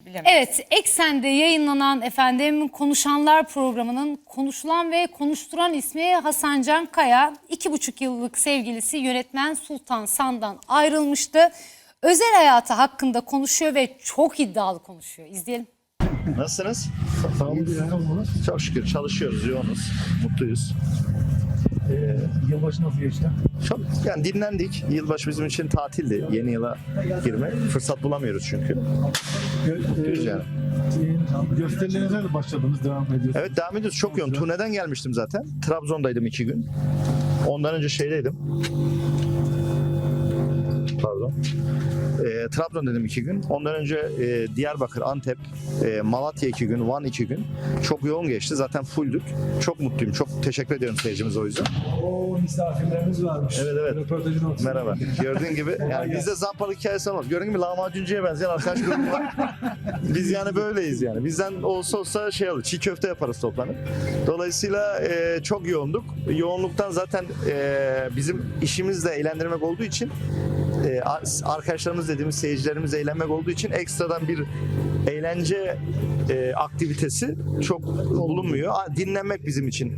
bilemedim. Evet, Eksen'de yayınlanan efendim Konuşanlar programının konuşulan ve konuşturan ismi Hasan Can Kaya. 2,5 yıllık sevgilisi yönetmen Sultan San'dan ayrılmıştı. Özel hayatı hakkında konuşuyor ve çok iddialı konuşuyor. İzleyelim. Nasılsınız? Sağ olun. Çok şükür çalışıyoruz, yoğunuz, mutluyuz. Yılbaşı nasıl geçti? Çok yani dinlendik. Yılbaşı bizim için tatildi. Yeni yıla girme. Fırsat bulamıyoruz çünkü. Mutluyuz yani. Gösterilerinize de başladınız, devam ediyorsunuz. Evet devam ediyoruz. Çok yoğun. Turneden gelmiştim zaten. Trabzon'daydım 2 gün. Ondan önce şeydeydim. Pardon. Trabzon dedim 2 gün. Ondan önce Diyarbakır, Antep, Malatya 2 gün, Van 2 gün. Çok yoğun geçti. Zaten fulldük. Çok mutluyum. Çok teşekkür ediyorum seyircimize o yüzden. O misafirlerimiz varmış. Evet. Röportajın ortasında. Merhaba. Gördüğün gibi yani bizde zampalık hikayesi olmaz. Gördüğün gibi lahmacuncuya benzeyen arkadaş grubu var. Biz yani böyleyiz yani. Bizden olsa şey olur. Çiğ köfte yaparız toplanıp. Dolayısıyla çok yoğunduk. Yoğunluktan zaten bizim işimiz de eğlendirmek olduğu için arkadaşlarımız dediğimiz seyircilerimiz eğlenmek olduğu için ekstradan bir eğlence aktivitesi çok bulunmuyor. Dinlenmek bizim için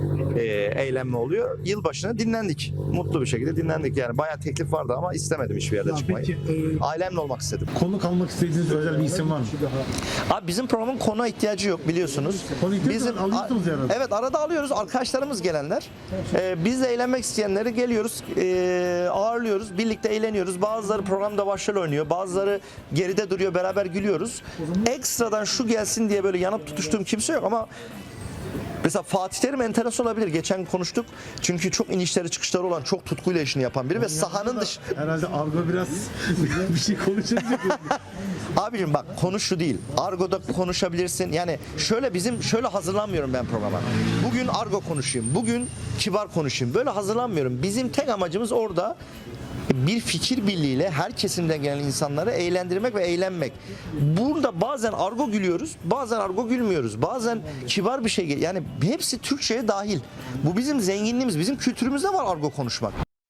eğlenme oluyor. Yılbaşına dinlendik. Mutlu bir şekilde dinlendik yani. Bayağı teklif vardı ama istemedim hiçbir yerde çıkmayı. Peki, Ailemle olmak istedim. konuk almak istediğiniz özel bir isim var mı? Abi bizim programın konuğa ihtiyacı yok biliyorsunuz. Konu ihtiyacı alıyorsunuz herhalde. Evet arada alıyoruz. Arkadaşlarımız gelenler. Biz de eğlenmek isteyenleri geliyoruz. Ağırlıyoruz. Birlikte eğleniyoruz. Bazıları programda başrol oynuyor. Bazıları geride duruyor. Beraber gülüyoruz. Ekstradan şu gelsin diye böyle yanıp tutuştuğum kimse yok ama mesela Fatih Terim enteresan olabilir. Geçen konuştuk. Çünkü çok inişleri çıkışları olan, çok tutkuyla işini yapan biri ve sahanın dışı... Herhalde argo biraz bir şey konuşacak. Abicim bak konu şu değil. Argo'da konuşabilirsin. Yani şöyle hazırlanmıyorum ben programa. Bugün argo konuşayım. Bugün kibar konuşayım. Böyle hazırlanmıyorum. Bizim tek amacımız orada bir fikir birliğiyle her kesimden gelen insanları eğlendirmek ve eğlenmek. Burada bazen argo gülüyoruz, bazen argo gülmüyoruz. Bazen kibar bir şey yani hepsi Türkçe'ye dahil. Bu bizim zenginliğimiz, bizim kültürümüzde var argo konuşmak.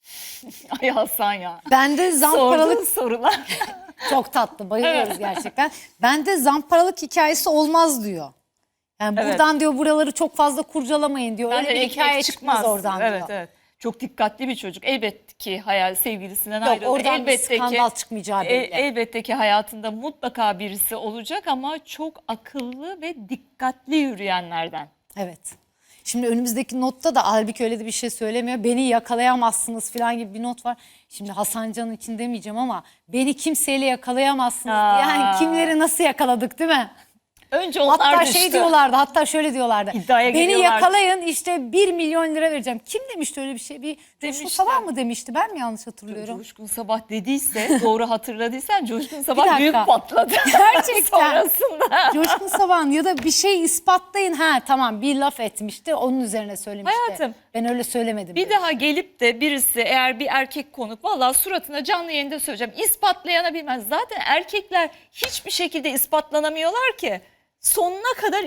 Ay Hasan ya. Bende zamparalık Sorduğun sorular. çok tatlı, bayılıyoruz gerçekten. Bende zamparalık hikayesi olmaz diyor. Yani Evet. buradan diyor buraları çok fazla kurcalamayın diyor. Öyle Bence bir ekmek hikaye çıkmaz oradan evet, diyor. Evet. Çok dikkatli bir çocuk. Elbette ki sevgilisinden Yok ayrıldı. oradan bir Elbette skandal ki çıkmayacağı belli. elbette ki hayatında mutlaka birisi olacak ama çok akıllı ve dikkatli yürüyenlerden. Evet. Şimdi önümüzdeki notta da halbuki öyle de bir şey söylemiyor. Beni yakalayamazsınız falan gibi bir not var. Şimdi Hasan Can'ın için demeyeceğim ama beni kimseyle yakalayamazsınız. Yani kimleri nasıl yakaladık değil mi? Önce onlar Hatta düştü. şey diyorlardı, hatta şöyle diyorlardı. İddiaya Beni geliyorlardı. yakalayın işte 1 milyon lira vereceğim. Kim demişti öyle bir şey? Bir Coşkun Demişler. Sabah mı demişti? Ben mi yanlış hatırlıyorum? Coşkun Sabah dediyse, doğru hatırladıysan Coşkun Bir Sabah dakika. büyük patladı. Gerçekten. Sonrasında. Coşkun Sabah'ın ya da bir şey ispatlayın. Ha tamam bir laf etmişti onun üzerine söylemişti. Hayatım, Ben öyle söylemedim. Bir daha gelip de birisi eğer bir erkek konuk vallahi suratına canlı yayında söyleyeceğim ispatlayana bilmez. Zaten erkekler hiçbir şekilde ispatlanamıyorlar ki. Sonuna kadar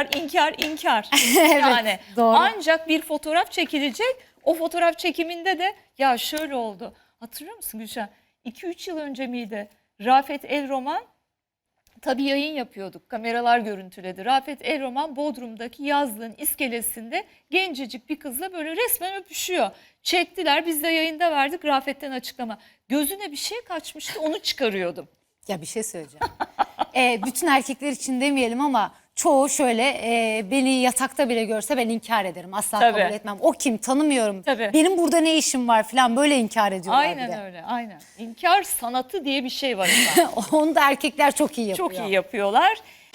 inkar. Yani doğru. ancak bir fotoğraf çekilecek. O fotoğraf çekiminde de ya şöyle oldu. Hatırlıyor musun Gülşen? 2-3 yıl önce miydi? Rafet El-Roman tabii yayın yapıyorduk. Kameralar görüntüledi. Rafet El-Roman Bodrum'daki yazlığın iskelesinde gencecik bir kızla böyle resmen öpüşüyor. Çektiler. Biz de yayında verdik. Rafet'ten açıklama. Gözüne bir şey kaçmıştı. Onu çıkarıyordum. Ya bir şey söyleyeceğim. Bütün erkekler için demeyelim ama çoğu şöyle beni yatakta bile görse ben inkar ederim. Asla Tabii. kabul etmem. O kim tanımıyorum. Tabii. Benim burada ne işim var falan böyle inkar ediyorlar bir Aynen de. öyle. Aynen. İnkar sanatı diye bir şey var. efendim. Onu da erkekler çok iyi yapıyor. Çok iyi yapıyorlar.